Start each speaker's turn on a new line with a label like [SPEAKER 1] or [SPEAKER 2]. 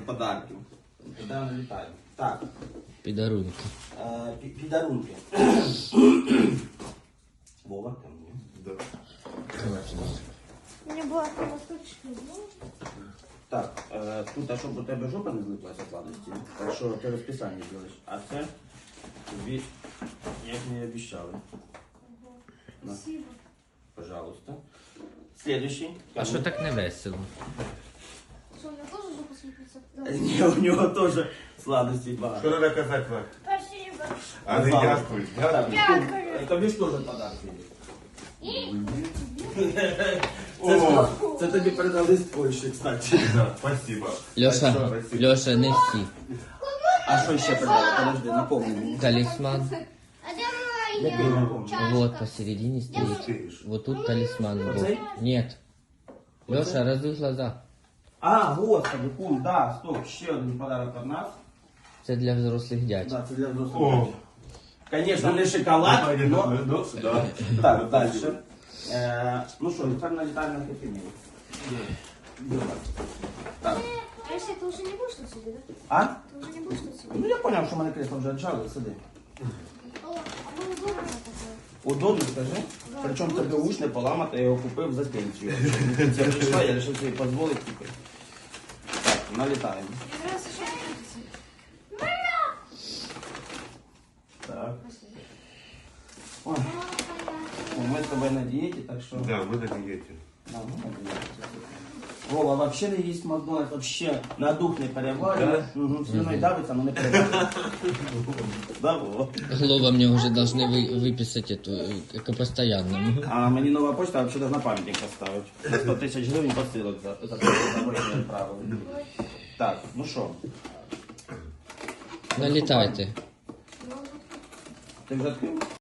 [SPEAKER 1] подарків. Куди налітаємо? Так.
[SPEAKER 2] Підарунки.
[SPEAKER 1] Підарунки. Вова, там ні?
[SPEAKER 3] Да.
[SPEAKER 4] У меня была кровоточка.
[SPEAKER 1] Так, тут, а щоб у тебе жопа не злиплася сладості, так що ти розписання зробиш. А це тобі, як мені обіцяли. На,
[SPEAKER 4] Спасибо.
[SPEAKER 1] пожалуйста. Следующий.
[SPEAKER 2] А що так не весело?
[SPEAKER 4] Что, у меня тоже жопа слепится?
[SPEAKER 1] Ні, у нього теж сладості багато.
[SPEAKER 3] Що треба казати вам?
[SPEAKER 4] Спасибо.
[SPEAKER 3] А не дякую. Дякую.
[SPEAKER 4] Дякую.
[SPEAKER 1] Тобі ж теж подарки.
[SPEAKER 3] О,
[SPEAKER 1] Це тобі передали з Польщі, кстати.
[SPEAKER 3] да, спасибо.
[SPEAKER 2] Льоша,
[SPEAKER 3] Спасибо.
[SPEAKER 2] Льоша, не всі.
[SPEAKER 1] А що ще передали? Подожди, напомни мені.
[SPEAKER 2] Талісман.
[SPEAKER 4] А где
[SPEAKER 1] Я
[SPEAKER 4] моя?
[SPEAKER 1] не напомню.
[SPEAKER 2] Вот посередине стоит. Вот тут талисман был. Нет. Леша, разуй глаза.
[SPEAKER 1] А, господи, кум, да, стоп, ще один подарок від нас.
[SPEAKER 2] Це для взрослих дядь.
[SPEAKER 1] Да, це для взрослих.
[SPEAKER 3] О.
[SPEAKER 1] Конечно, не шоколад, но...
[SPEAKER 3] Ну, да.
[SPEAKER 1] Так, дальше. Ну що, тепер налітаємо на хеппі. Так.
[SPEAKER 4] А если ты уже не будешь тут сидеть, да?
[SPEAKER 1] А?
[SPEAKER 4] Ты уже не будешь тут сидеть?
[SPEAKER 1] Ну я понял, що мене кресло вже віджали, сиди.
[SPEAKER 4] О, а мы удобно такое.
[SPEAKER 1] Удобно, скажи. Причому тобі уж не поламати, я його купив за пенсію. Це прийшла, я вирішив собі дозволити тільки. Так, налітаємо.
[SPEAKER 4] Мне нравится, что это крутится.
[SPEAKER 1] Так. Ой, ми з тобою на дієті, так що...
[SPEAKER 3] Да, мы на диете.
[SPEAKER 1] Да, ну, на дієті. Вова вообще не їсть Макдональдс, вообще на дух не переварює. Угу, слюною давиться, але не переварює. Да, Вова?
[SPEAKER 2] Глоба мне уже должны выписать эту, к постоянному.
[SPEAKER 1] А мені нова почта вообще должна пам'ятник поставити. На 100 тисяч гривень посилок за порушення правил. Так, ну що?
[SPEAKER 2] Налетайте.
[SPEAKER 1] Ти вже відкрив?